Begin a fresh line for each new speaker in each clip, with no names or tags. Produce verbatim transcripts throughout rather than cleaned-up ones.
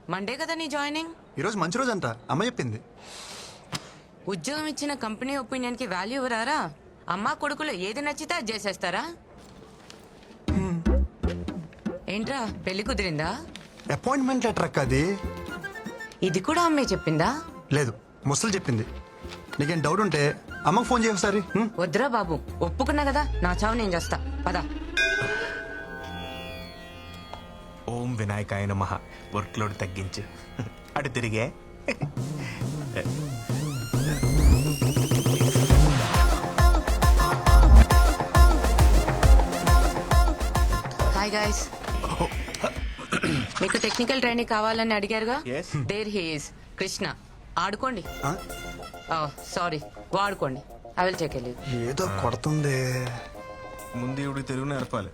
Monday కదా నీ joining?
ఈరోజు మంచి రోజు అంట, అమ్మ చెప్పింది.
ఉద్యోగం ఇచ్చిన కంపెనీ ఒపీనియన్ కి వాల్యూ ఇవ్వరారా? అమ్మా కొడుకులు ఏది నచ్చితే అది చేసేస్తారా? ఏంట్రా పెళ్లి కుదిరిందా?
అపాయింట్మెంట్ లెటర్ అక్క అది.
ఇది కూడా అమ్మే చెప్పిందా?
లేదు, ముసలు చెప్పింది. నీకేం డౌట్ ఉంటే అమ్మకు ఫోన్ చేయ ఒకసారి.
వద్దురా బాబు, ఒప్పుకున్నా కదా, నా చావు నేను చేస్తా. పదా.
ఓం వినాయకాయ నమః. వర్క్ లోడ్ తగ్గించు. అటు తిరిగే.
Hi guys. మీకు టెక్నికల్ ట్రైనింగ్ కావాలని అడిగారుగా?
Yes.
There he is Krishna. ఆడుకోండి.
ఆ?
సారీ, వాడుకోండి. I will take leave.
ఏదో కొడుతుంది.
ముందు ఇవి తెలుగు నేర్పాలి.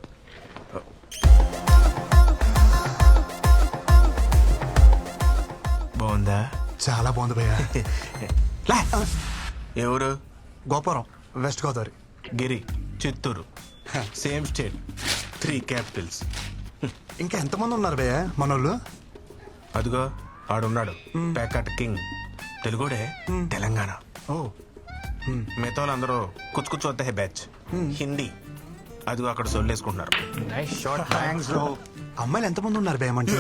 బాగుందా?
చాలా బాగుంది భయ్య.
లే. ఎవరు?
గోపురం, West Godavari.
Giri, Chittoor. Same state, three capitals.
ఇంకా ఎంతమంది ఉన్నారు భయ్య మనోళ్ళు?
అదిగో ఆడున్నాడు, ప్యాకట్ కింగ్. తెలుగుడే, తెలంగాణ.
ఓ,
మిగతా వాళ్ళందరూ కుచ్చు కుచ్చు వద్ద బ్యాచ్. హిందీ. అదిగో అక్కడ సొల్లేసుకుంటున్నారు.
అమ్మాయిలు ఎంతమంది ఉన్నారు భయ్య మంచి?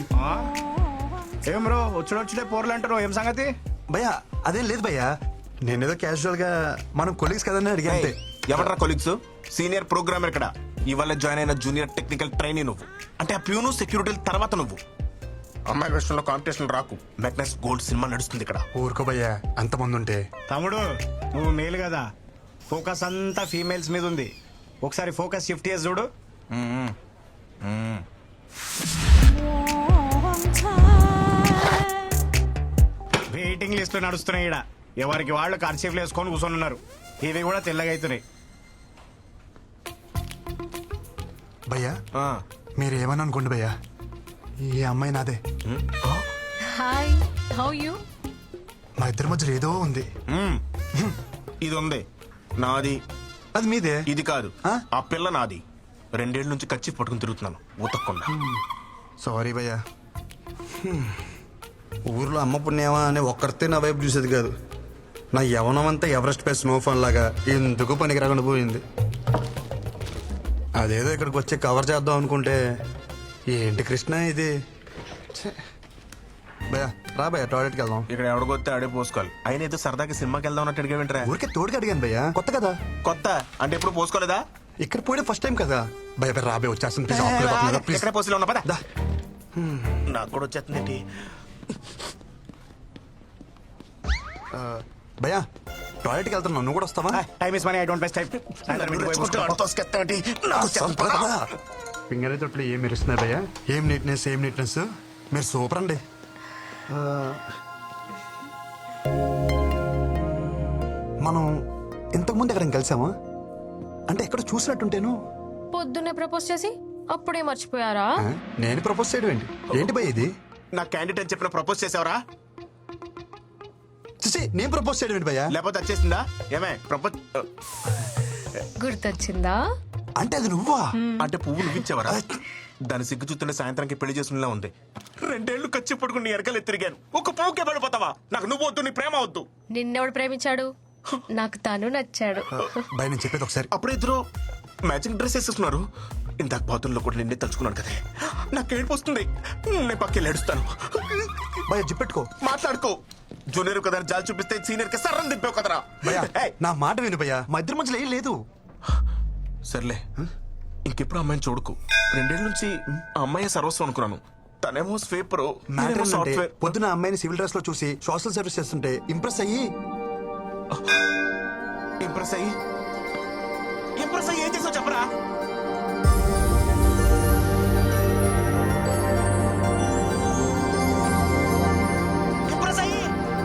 ఏం బ్రో వచ్చుడు వచ్చుడే పోర్లు అంటారు, ఏం సంగతి?
భయ్య అదేం లేదు భయ్య, నేనేదో క్యాజువల్ గా మనం కొలీగ్స్ కదని అడిగా అంతే.
ఎవరా కొలీగ్స్? సీనియర్ ప్రోగ్రామర్ ఇక్కడ. ఇవాళ జాయిన్ అయిన జూనియర్ టెక్నికల్ ట్రైనీ నువ్వు. అంటే ఆ ప్యూను సెక్యూరిటీ తర్వాత నువ్వు. అమ్మాయి విషయంలో కాంపిటీషన్ రాకు. మెగ్నస్ గోల్డ్ సినిమా నడుస్తుంది ఇక్కడ.
ఊరుకో భయ్య, అంతమంది ఉంటే.
తమ్ముడు నువ్వు మేలు కదా, ఫోకస్ అంతా ఫీమేల్స్ మీద ఉంది. ఒకసారి ఫోకస్ షిఫ్ట్ చేసి చూడు. వెయిటింగ్ లిస్ట్ నడుస్తున్నాయి ఇక్కడ. ఎవరికి వాళ్ళు కర్చీఫ్లు వేసుకొని కూర్చొని ఉన్నారు. ఇవి కూడా తెల్లగా అవుతున్నాయి.
భయ్య
ఆ.
మీరు ఏమని అనుకోండి భయ్య, ఈ అమ్మాయి నాదే.
Hi, how you?
మా ఇద్దరి మధ్యలో ఏదో ఉంది.
మ్మ్. ఇది ఉంది నాది.
అది మీదే.
ఇది కాదు,
ఆ?
ఆ పిల్ల నాది. రెండేళ్ల నుంచి కచ్చి పట్టుకుని తిరుగుతున్నాను ఉతక్కుండా.
సారీ భయ్య. ఊర్లో అమ్మ పుణ్యమా అని ఒక్కరితే నా వైపు చూసేది కాదు. నా యవనం అంతా ఎవరెస్ట్ పై స్నోఫాన్ లాగా ఎందుకు పనికి రాకుండా పోయింది. అదేదో ఇక్కడికి వచ్చి కవర్ చేద్దాం అనుకుంటే ఏంటి కృష్ణ ఇది. ఛే. భయ్య రా భయ్య, టాయిలెట్కి వెళ్దాం.
ఇక్కడ ఎవడికొస్తే ఆడే పోసుకోవాలి. అయినా ఏదో సరదాకి సినిమాకి వెళ్దాం అన్నట్టు అడిగా వింటరా?
ఊరికే తోడుకి అడిగాను భయ్య, కొత్త కదా.
కొత్త అంటే ఎప్పుడు పోసుకోలేదా?
ఇక్కడ పోయడం ఫస్ట్ టైం కదా. భయ భయ రాబే వచ్చేస్తుంది. ప్లీజ్ ఆపులే పక్కన, ప్లీజ్.
ఎక్కడ పోసిలో ఉన్నా పదా.
దా.
నాకు కూడా వచ్చేస్తుంది.
భయ్య టాయిలెట్కి వెళ్తున్నావు, నువ్వు కూడా వస్తావా?
Time is money, I don't waste time. Finger తొట్లు ఏం మెరుస్తున్నాయి భయ్యా?
ఏం నీట్నెస్, ఏం నీట్నెస్. మీరు సూపర్ అండి. మనం ఇంతకుముందు ఎక్కడ కలిసామా? అంటే ఎక్కడ చూసినట్టుంటేను.
పొద్దున్నే ప్రపోజ్ చేసి అప్పుడే మర్చిపోయారా?
ఆ, నేను ప్రపోజ్ చేయడం ఏంటి? ఏంటి భయ్య ఇది?
నా క్యాండిడేట్ అని చెప్పిన ప్రపోజ్ చేసావరా?
చూసి నేను ప్రపోజ్ చేయడం ఏంటి భయ్య?
లేకపోతే వచ్చేసిందా? ఏమే ప్రపోజ్
గుర్తొచ్చిందా?
అంటే అది నువ్వా?
అంటే పువ్వు నువ్విచ్చావరా? దాని సిగ్గు చూస్తుంటే సాయంత్రానికి పెళ్లి చేసుకునేలా ఉంది. రెండేళ్లు ఖర్చు పడుకుని ఎరకలు తిరిగాను. ఒక పువ్వుకే పడిపోతావా? నాకు నువ్వు వద్దు, నీ ప్రేమ వద్దు.
నిన్నెవడు ప్రేమించాడు? నాకు తను నచ్చాడు.
భయ నేను చెప్పేది ఒకసారి.
అప్పుడు ఇద్దరు మ్యాచింగ్ డ్రెస్ వేసేస్తున్నారు. ఇందాక బాతుల్లో కూడా నిన్నే తలుచుకున్నాను కదా. నాకు ఏడుపు వస్తుంది. నేను పక్కకి ఏడుస్తాను.
భయ జిప్పెట్టుకో,
మాట్లాడుకో. జూనియర్ కదా జాలి చూపిస్తే సీనియర్ కి సర్రం దింపావు కదరా.
భయ
ఏయ్,
నా మాట విను భయ్య, మా ఇద్దరి మధ్యలో ఏం లేదు.
సర్లే ఇంకెప్పుడు అమ్మాయిని చూడకు. రెండేళ్ల నుంచి ఆ అమ్మాయి సర్వస్వం అనుకున్నాను. తనేమో స్వీపర్,
మ్యాటర్ ఏంటంటే,
సాఫ్ట్వేర్.
పొద్దున అమ్మాయిని సివిల్ డ్రెస్ లో చూసి సోషల్ సర్వీస్ చేస్తుంటే ఇంప్రెస్ అయ్యి
ఇంప్రెస్ అయ్యి ఇంప్రెస్ అయ్యి ఏం చేసావు చెప్పరా? ఇంప్రెస్ అయ్యి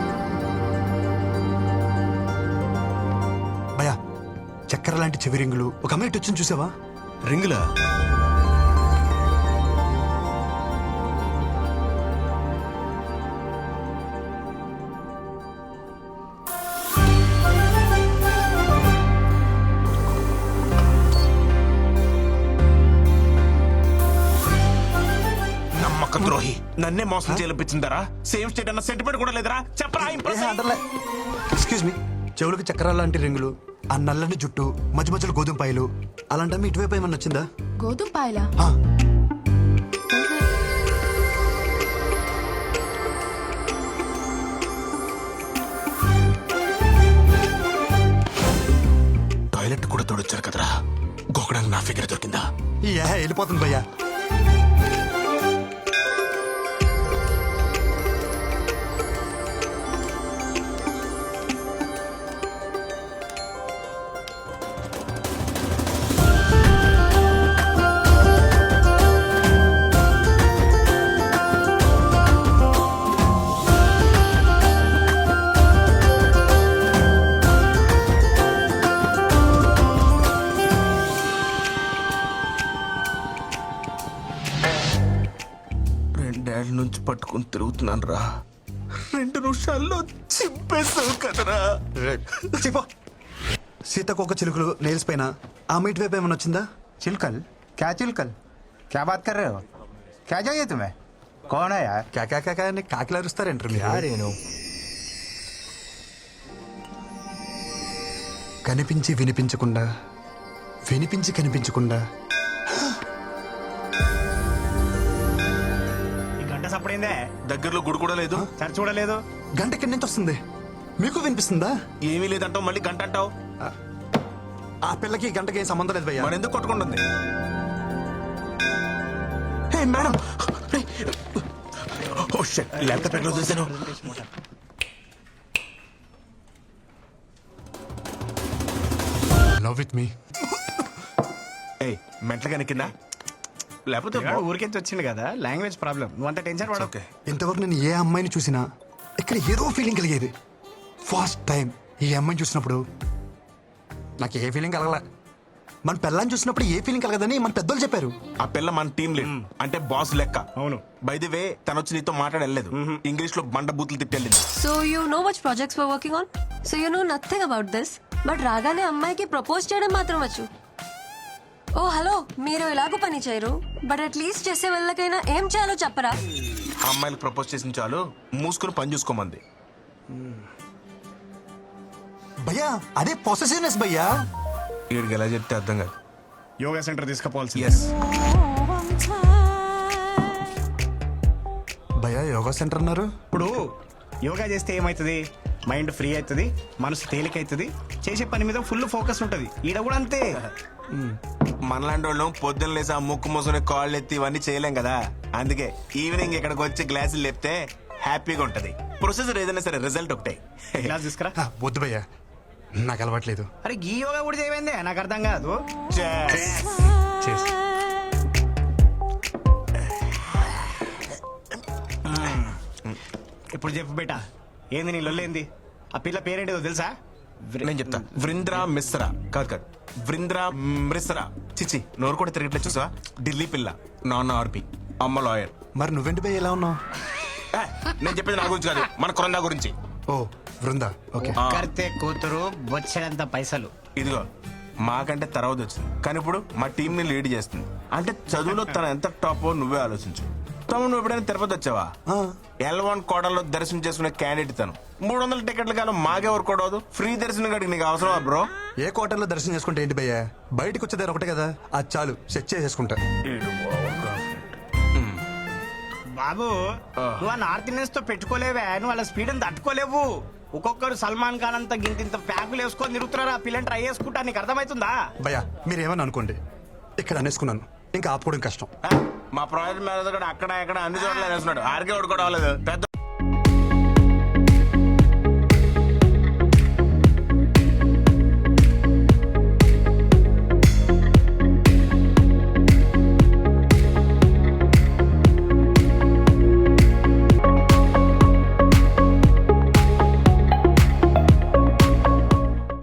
భయ చక్కెర లాంటి చెవి రింగులు ఒక అమ్మాయి ఇటు వచ్చింది చూసావా?
రింగులా? నమ్మక ద్రోహి, నన్నే మోసం చేయాలనిపించిందరా? సేమ్ స్టేట్ అన్న సెంటిమెంట్ కూడా లేదరా? చెప్పరా ఇంప్రెస్ అయ్యి.
ఎక్స్క్యూజ్ మీ, చెవులకి చక్రాల లాంటి రింగులు, ఆ నల్లని జుట్టు, మధ్య మధ్యలో గోధుమ పాయలు, అలాంటి ఇటువైపు ఏమన్నా వచ్చిందా?
గోధుమ పాయలా?
ఆ,
టాయిలెట్ కూడా తోడొచ్చారు కదరా, గోకడానికి నా ఫిగర్ దొరికిందా?
ఏ వెళ్ళిపోతుంది భయ్యా.
రెండేళ్ల నుంచి పట్టుకుని తిరుగుతున్నాను రా, రెండు నిమిషాల్లో చింపేసావు కదరా.
చెప్పో. సీతకొక చిలుకలు నెయిల్స్ పైన ఆమె ఇటువైపు ఏమన్నా వచ్చిందా?
चिलकल? क्या चिलकल? क्या बात कर रहे हो? क्या चाहिए तुम्हें? कौन है यार?
కాకా కాకా అని కాకిలు అరుస్తారేంటారు మీరు? కనిపించి వినిపించకుండా, వినిపించి కనిపించకుండా.
ఈ గంట సప్పుడైందే,
దగ్గరలో గుడి కూడా లేదు.
సరి చూడలేదు.
గంట ఎక్కడి నుంచి వస్తుంది? మీకు వినిపిస్తుందా?
ఏమీ లేదంటావు, మళ్ళీ గంట అంటావు.
ఆ పిల్లకి ఈ గంటకి ఏం సంబంధం లేదు భయ్యా.
మరి ఎందుకు కొట్టుకుంటుంది? Hey madam, oh shit, laptop ఎక్కడ చూసాను?
Love with me.
ఏయ్, మెంటలుగా కింద లేకపోతే
పిల్లాడు ఊరికెంచి వచ్చింది కదా, లాంగ్వేజ్ ప్రాబ్లం. నువ్వు అంత టెన్షన్ పడవు.
ఓకే.
ఇంతవరకు నేను ఏ అమ్మాయిని చూసినా ఇక్కడ ఏదో ఫీలింగ్ కలిగేది. ఫస్ట్ టైం ఈ అమ్మాయిని చూసినప్పుడు నాకు ఏ ఫీలింగ్ కలగలే. మన పిల్లని చూసినప్పుడు ఏ ఫీలింగ్ కలగదని మన పెద్దోళ్ళు చెప్పారు.
ఆ పిల్ల మన టీం లీడ్, అంటే బాస్ లెక్క.
అవును.
బై ది వే, తను వచ్చి నీతో మాట్లాడలేదు, ఇంగ్లీష్ లో బండ బూతులు తిట్టెళ్ళింది.
So you know which projects we're working on? So you know nothing about this. But రాగానే అమ్మాయికి ప్రపోజ్ చేయడం మాత్రం వచ్చు. ఓ హలో, మీరు ఎలాగో పని చేయరు, బట్ అట్లీస్ట్ చేసే వాళ్ళకైనా ఏం చేయాలో చెప్పరా?
ఆ అమ్మాయిలకు ప్రపోజ్ చేసిన చాలు, మూసుకుని పని చూసుకోమంది.
భయ్యా అదే పొసెసివ్నెస్ భయ్యా.
వీడికి ఎలా చెప్తే అర్థం కాదు.
Yoga centre తీసుకుపోవాల్సి.
ఎస్,
భయ్యా యోగా సెంటర్ అన్నారు.
ఇప్పుడు యోగా చేస్తే ఏమవుతుంది? మైండ్ ఫ్రీ అవుతుంది, మనసు తేలిక అవుతుంది, చేసే పని మీద ఫుల్ ఫోకస్ ఉంటుంది. ఈడ కూడా అంతే.
మనలాంటి వాళ్ళు పొద్దున్న లేసి ఆ ముక్కు మూసుకుని కాళ్ళు ఎత్తి ఇవన్నీ చేయలేం కదా. అందుకే ఈవినింగ్ ఇక్కడికి వచ్చి గ్లాసులు లేపితే హ్యాపీగా ఉంటది. ప్రొసెసర్ ఏదైనా సరే రిజల్ట్ ఒకటే.
క్లాస్ తీసుకురా.
ఆ, వద్దు భయ్యా, నాకు అలవాట్లేదు.
అరే ఈ యోగా కూడా చేయమైందే, నాకు అర్థం కాదు.
చేసి
ఇప్పుడు చెప్పు బేటా, ఏంది నీ లొల్లేంది? ఆ పిల్ల పేరేంటిదో తెలుసా?
నేను చెప్తా. వృంద్రా మిశ్రా. కాదు కాదు, వృంద్రా మిశ్రా. చిచి, నోరు కూడా తిరగట్లేదు చూసా. ఢిల్లీ పిల్ల, నాన్న ఆర్పి, అమ్మ లాయర్.
మరి నువ్వెంటి భయ్య ఎలా ఉన్నావు?
ఏ, నేను చెప్పేది నా గురించి కాదు, మన కొరందా గురించి.
ఓ బృందా, ఓకే.
ఆ,
కర్తే కూతురు బొచ్చడంత పైసలు.
ఇదిగో మాకంటే తర్వాత వచ్చింది, కానీ ఇప్పుడు మా టీం ని లీడ్ చేస్తుంది. అంటే చదువులో తన ఎంత టాప్ నువ్వే ఆలోచించు. తమ్ముడు, నువ్వు ఎప్పుడైనా తిరుపతి వచ్చావా?
ఆ.
ఎల్ వన్ కోటలో దర్శనం చేసుకునే క్యాండిడేట్ తను. మూడు వందల టికెట్లు కానీ మాకెవరు కొడవదు. ఫ్రీ దర్శనం కాడికి నీకు అవసరమా బ్రో?
ఏ క్వార్టర్లో దర్శనం చేసుకుంటే ఏంటి భయ్యా? బయటకు వచ్చేదారు ఒకటే కదా, అది చాలు, సెట్ చేసేసుకుంటా.
బాబు, నువ్వు ఆ నార్త్ ఇండియన్స్ తో పెట్టుకోలేవే, నువ్వు వాళ్ళ స్పీడ్ అని తట్టుకోలేవు. ఒక్కొక్కరు సల్మాన్ ఖాన్ అంత గింత ఇంత ప్యాకులు వేసుకొని తిరుగుతున్నారు. ఆ పిల్లని ట్రై చేసుకుంటా, నీకు అర్థమవుతుందా?
భయ్యా మీరేమని అనుకోండి, ఇక్కడ అనేసుకున్నాను, ఇంకా ఆపుకోవడం కష్టం.
మా ప్రాజెక్ట్ మేనేజర్ కూడా అక్కడ ఇక్కడ అన్ని చోట్ల వేస్తున్నాడు. ఆర్కే కూడా అవ్వలేదు. పెద్ద